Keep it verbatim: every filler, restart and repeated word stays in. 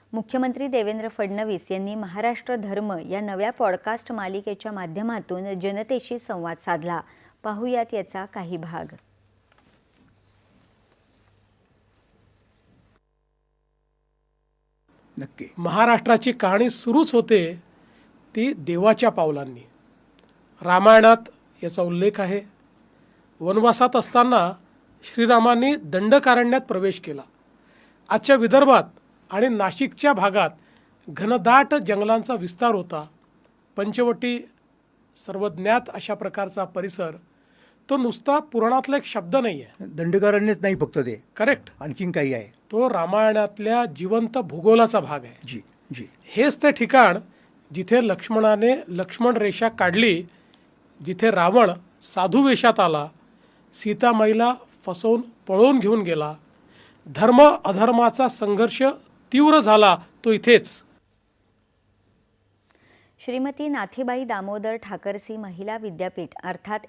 मुख्यमंत्री देवेंद्र फडणवीस यांनी महाराष्ट्र धर्म या नव्या पॉडकास्ट मालिकेच्या माध्यमातून जनतेशी संवाद साधला। पाहूयात याचा काही भाग। नक्की महाराष्ट्राची कहाणी सुरूच होते ती देवाच्या पावलांनी। रामायणात याचा उल्लेख आहे। वनवासात असताना श्रीरामांनी दंडकारण्यात प्रवेश केला। आजच्या विदर्भात आणि नाशिकच्या भागात घनदाट जंगलांचा विस्तार होता। पंचवटी सर्वज्ञात अशा प्रकारचा परिसर तो नुसता पुराणातला एक शब्द नाही आहे। दंडकारण्यच नाही फक्त ते, करेक्ट, आणखीन काही आहे। तो रामायणातल्या जिवंत भूगोलाचा भाग आहे। जी जी हेच ते ठिकाण जिथे लक्ष्मणाने लक्ष्मण रेषा काढली, जिथे रावण साधू वेशात आला, सीतामाईला फसवून पळवून घेऊन गेला, धर्म अधर्माचा संघर्ष तीव्र झाला तो इथेच। श्रीमती नाथीबाई दामोदर ठाकरसी महिला विद्यापीठ अर्थात